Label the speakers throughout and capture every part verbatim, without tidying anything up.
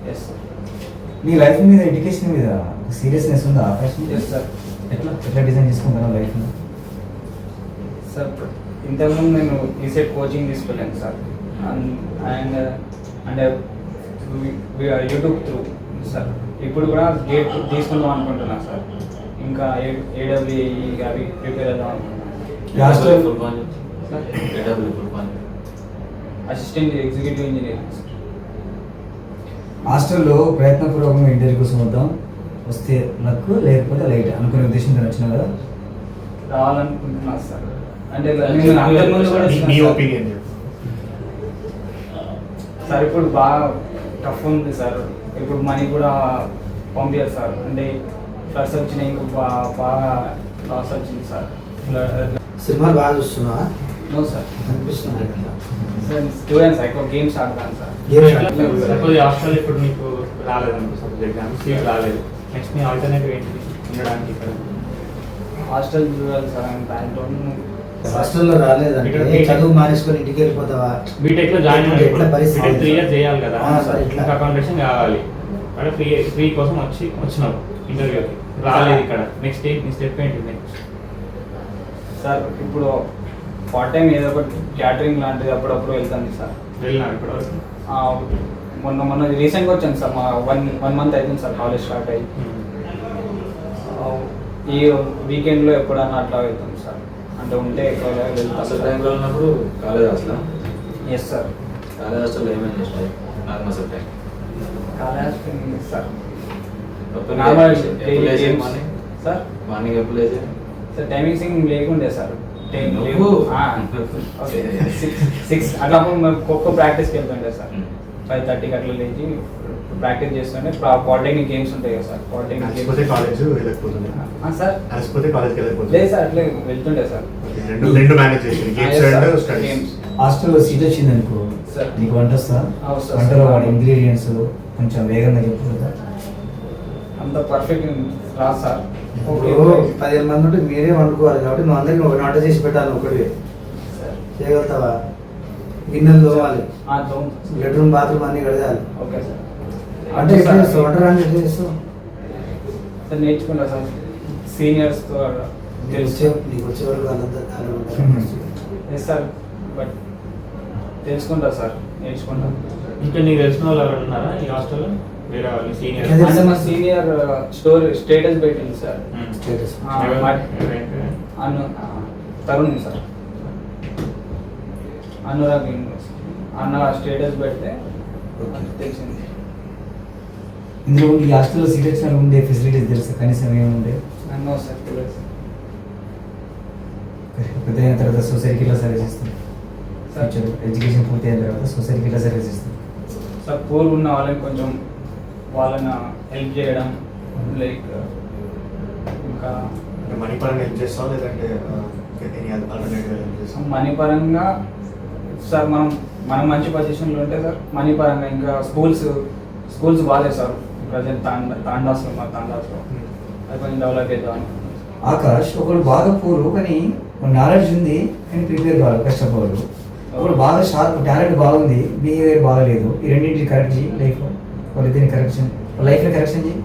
Speaker 1: Yes sir.
Speaker 2: నీ life మీద education మీద సీరియస్నెస్ ఉందా ఆకాశం?
Speaker 1: Yes sir.
Speaker 2: ఎట్లా ఎట్లా డిజైన్ చేసుకుంటాను లైఫ్ని?
Speaker 1: సార్ ఇంతకుముందు నేను ఈసెట్ కోచింగ్ తీసుకోలేను sir. And and YouTube through sir ఇప్పుడు కూడా గేట్ తీసుకుందాం అనుకుంటున్నాను సార్. ఇంకా ఏడబ్ల్యూఈ అవి ప్రిపేర్ అవుదాం అనుకుంటున్నాను. Assistant executive engineering.
Speaker 2: హాస్టల్లో ప్రయత్నపూర్వకంగా ఇంటర్వ్యూ కోసం వద్దాం, వస్తే లక్ లేకపోతే లైట్ అనుకునే ఉద్దేశంతో వచ్చిన కదా
Speaker 1: రావాలనుకుంటున్నా సార్. అంటే నేను అంతకుముందు కూడా
Speaker 3: మీ ఒపీనియన్
Speaker 1: సార్ ఇప్పుడు బాగా టఫ్ ఉంది సార్. ఇప్పుడు మనీ కూడా పంపించారు సార్. అంటే ఫ్లడ్స్ వచ్చినాయి, ఇంకా బాగా బాగా లాస్ వచ్చింది సార్.
Speaker 4: సినిమాలు బాగా చూస్తున్నావా?
Speaker 1: No sir.
Speaker 4: అనిపిస్తుంది కదా
Speaker 1: సార్ స్టూడెంట్స్ ఎక్కువ గేమ్స్ ఆడతాను సార్.
Speaker 3: సపోజ్ హాస్టల్ ఇప్పుడు నీకు రాలేదనుకో, సపోజ్ ఎగ్జామ్ సీట్ రాలేదు, నెక్స్ట్ మీ ఆల్టర్నేటివ్ ఏంటి ఉండడానికి ఇక్కడ?
Speaker 1: హాస్టల్ చూడాలి సార్. దాంట్లో
Speaker 4: హాస్టల్లో రాలేదంటే చదువు మానేసుకొని ఇంటికి వెళ్ళిపోతావా?
Speaker 3: బీటెక్ లో జాయిన్
Speaker 4: ఎట్లా పరిస్థితి?
Speaker 3: త్రీ ఇయర్స్ చేయాలి కదా,
Speaker 4: ఇట్లా
Speaker 3: అకామిడేషన్ కావాలి. అంటే ఫ్రీ ఫ్రీ కోసం వచ్చి వచ్చినావు ఇంటర్వ్యూకి, రాలేదు ఇక్కడ, నెక్స్ట్ నీ స్టెప్ ఏంటి నెక్స్ట్?
Speaker 1: సార్ ఇప్పుడు పార్ట్ టైం ఏదో ఒకటి క్యాటరింగ్ లాంటిది అప్పుడప్పుడు వెళ్తాను సార్.
Speaker 3: వెళ్ళినా ఇప్పటివరకు?
Speaker 1: మొన్న మొన్న రీసెంట్గా వచ్చాను సార్. మా వన్ వన్ మంత్ అవుతుంది సార్ కాలేజ్ స్టార్ట్ అయ్యి. ఈ వీకెండ్లో ఎప్పుడన్నా అట్లా వెళ్తాం సార్. అంటే ఉంటే ఎక్కువ వెళ్తాం.
Speaker 5: అసలు టైంలో ఉన్నప్పుడు college hostel?
Speaker 1: Yes sir.
Speaker 5: College హాస్టల్లో ఏమేమి చేస్తాయి అసలు time?
Speaker 1: College hostel sir
Speaker 5: normal
Speaker 1: sir.
Speaker 5: Morning ఎప్పుడు లేచే
Speaker 1: సార్ టైమింగ్స్ ఏం లేకుండే సార్.
Speaker 5: నువ్వు?
Speaker 1: సిక్స్ అట్లా మేము ఖోఖో ప్రాక్టీస్కి వెళ్తుండే సార్. ఫైవ్ థర్టీకి అట్లా లేచి ప్రాక్టీస్ చేస్తుండే. పాలిటెక్నిక్ గేమ్స్ ఉంటాయి కదా సార్. పాలిటెక్నిక్
Speaker 3: కాలేజ్ వెళ్ళకపోతుంది
Speaker 1: సార్.
Speaker 3: అలసిపోతే కాలేజ్కి వెళ్ళకపోతే
Speaker 1: లేదు సార్, అట్లే వెళ్తుండే సార్.
Speaker 3: రెండు రెండు మేనేజ్ చేసి గేమ్స్ అండ్ స్టడీస్.
Speaker 1: గేమ్స్
Speaker 2: హాస్టల్లో సీట్ వచ్చింది అనుకో
Speaker 1: సార్,
Speaker 2: నీకు వంట వస్తా?
Speaker 1: అవును సార్.
Speaker 2: వంటలో వాడి ఇంగ్రీడియంట్స్ కొంచెం వేగంగా చెప్పు కదా.
Speaker 1: అంత పర్ఫెక్ట్ రాదు సార్.
Speaker 4: ఇప్పుడు పదిహేను మంది ఉంటే మీరే వండుకోవాలి కాబట్టి నువ్వు అందరికీ ఒక వంట చేసి పెట్టాలి. ఒకటి చేయగలుగుతావా? గిన్నెలు తోవాలి, బెడ్రూమ్ బాత్రూమ్ అన్ని కడగాలి.
Speaker 1: Okay sir.
Speaker 4: అంటే ఎట్లా చేస్తావు? వంట రాని ఎట్లా చేస్తావు?
Speaker 1: సార్ నేర్చుకుంటా సార్. సీనియర్స్తో
Speaker 4: నీకు వచ్చే నీకు వచ్చే వరకు వాళ్ళంతా
Speaker 1: ఎస్ సార్. బట్ తెలుసుకుంటా సార్, నేర్చుకుంటా.
Speaker 3: ఇంకా నీకు తెలిసిన వాళ్ళు ఎవరు ఉన్నారా ఈ హాస్టల్లో? వేరే వాళ్ళు సీనియర్?
Speaker 1: అంటే మా సీనియర్ స్టోరీ స్టేటస్ పెట్టింది సార్.
Speaker 4: స్టేటస్
Speaker 1: అను తరుణ్ సార్, అనురాగ్ అన్న స్టేటస్ పెడితే తెలిసింది.
Speaker 2: ఇందులో ఈ హాస్టల్లో సీట్ వచ్చిన ఉండే ఫెసిలిటీస్ తెలుసా కనీసం ఏముండే?
Speaker 1: అన్నో సార్ తెలియదు.
Speaker 2: పెద్ద అయిన తర్వాత సొసైటీకి ఇలా సర్వీస్ ఇస్తాం
Speaker 1: సార్.
Speaker 2: ఎడ్యుకేషన్ పూర్తి అయిన తర్వాత సొసైటీకి ఇలా సర్వీస్ ఇస్తాం
Speaker 1: సార్. పూర్ ఉన్న వాళ్ళని కొంచెం వాళ్ళని హెల్ప్ చేయడం, లైక్ ఇంకా
Speaker 3: మనీ పరంగా హెల్ప్ చేస్తావు లేదంటే ఆల్టర్నేటివ్ హెల్ప్ చేస్తాం?
Speaker 1: మనీ పరంగా సార్ మనం మనం మంచి పొజిషన్లో ఉంటే సార్ మనీ పరంగా. ఇంకా స్కూల్స్ స్కూల్స్ బాగాలేదు సార్ ప్రజెంట్. తాండా తాండాస్లో మా తాండాస్లో అది కొంచెం డెవలప్ అవుతాం.
Speaker 2: ఆకాష్ ఒకడు బాగా పూరు కానీ నాలెడ్జ్ ఉంది కానీ ప్రిపేర్ కాదు, కష్టపడు. ఒకడు బాగా షార్ప్ టాలెంట్ బాగుంది, బిహేవియర్ బాగలేదు. ఈ రెండింటిని కరెక్ట్ చేయి లైఫ్. వాళ్ళిద్దరిని కరెక్షన్ లైఫ్లో కరెక్షన్ చేయి.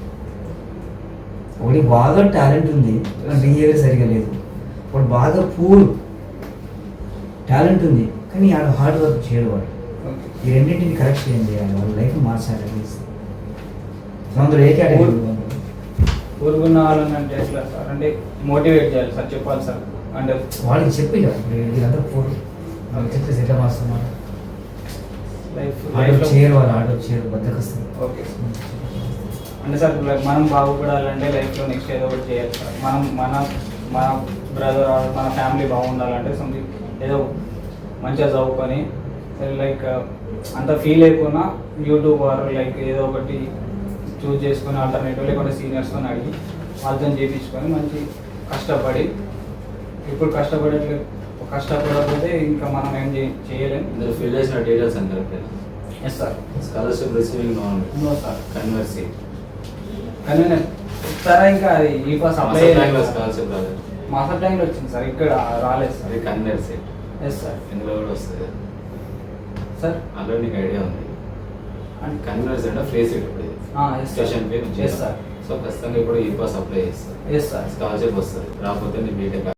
Speaker 2: ఒకటి బాగా టాలెంట్ ఉంది బిహేవియర్ సరిగా లేదు. ఒకటి బాగా పూర్ టాలెంట్ ఉంది కానీ ఆడ హార్డ్ వర్క్ చేయడు. వాడు ఈ రెండింటిని కరెక్ట్ చేయండి, వాళ్ళ లైఫ్ మార్చాలి. అందులో ఏ కేటగిరీ?
Speaker 1: ఊరుగున్న వాళ్ళని అంటే ఎట్లా సార్? అంటే మోటివేట్ చేయాలి సార్, చెప్పాలి సార్. అంటే
Speaker 2: వాళ్ళకి చెప్పి వీళ్ళంతా పూర్ వాళ్ళకి చెప్పేసి ఎట్లా మారుస్తున్నారు?
Speaker 1: లైఫ్
Speaker 2: ఆటో చేయరు, వాళ్ళు ఆటో చేయరు, బద్దకొస్తారు.
Speaker 1: Okay sir. అంటే సార్ మనం బాగుపడాలంటే లైఫ్లో నెక్స్ట్ ఏదో ఒకటి చేయాలి సార్. మనం మన మన బ్రదర్ మన ఫ్యామిలీ బాగుండాలంటే సంథింగ్ ఏదో మంచిగా చదువుకొని లైక్ అంత ఫీల్ అయిపోయినా యూట్యూబ్ ఆర్ లైక్ ఏదో ఒకటి చూస్ చేసుకొని ఆల్టర్నేటివ్ లేకుంటే సీనియర్స్తో అడిగి వాళ్ళతో చేయించుకొని మంచి కష్టపడి. ఇప్పుడు కష్టపడట్లే కష్టపడకపోతే ఇంకా మనం ఏం చేయలేము.
Speaker 5: ఇందులో ఫిల్ చేసిన డీటెయిల్స్ అని correct?
Speaker 1: Yes sir.
Speaker 5: Scholarship receiving non
Speaker 1: no sir.
Speaker 5: కన్వర్సీ
Speaker 1: కానీ సార్ ఇంకా అది ఈ పాస్ అప్లై
Speaker 5: స్కాలర్షిప్ రాలేదు.
Speaker 1: మాస్టర్ టైంలో వచ్చింది సార్, ఇక్కడ రాలేదు సార్.
Speaker 5: అది కన్వర్సీ.
Speaker 1: Yes sir.
Speaker 5: ఇందులో కూడా వస్తుంది
Speaker 1: సార్.
Speaker 5: అందులో నీకు ఐడియా ఉంది?
Speaker 1: And-
Speaker 5: కన్వీనర్స్ అంటే ఫేస్ ఇట్ ఇప్పుడు
Speaker 1: ఆ, yes, sir.
Speaker 5: స్టేషన్ పే
Speaker 1: Yes, sir.
Speaker 5: సో ఖచ్చితంగా ఇప్పుడు ఈ పాస్ అప్లై చేస్తారు
Speaker 1: ఎస్ సార్
Speaker 5: స్కాలర్షిప్ వస్తుంది రాకపోతే నీ బీటెక్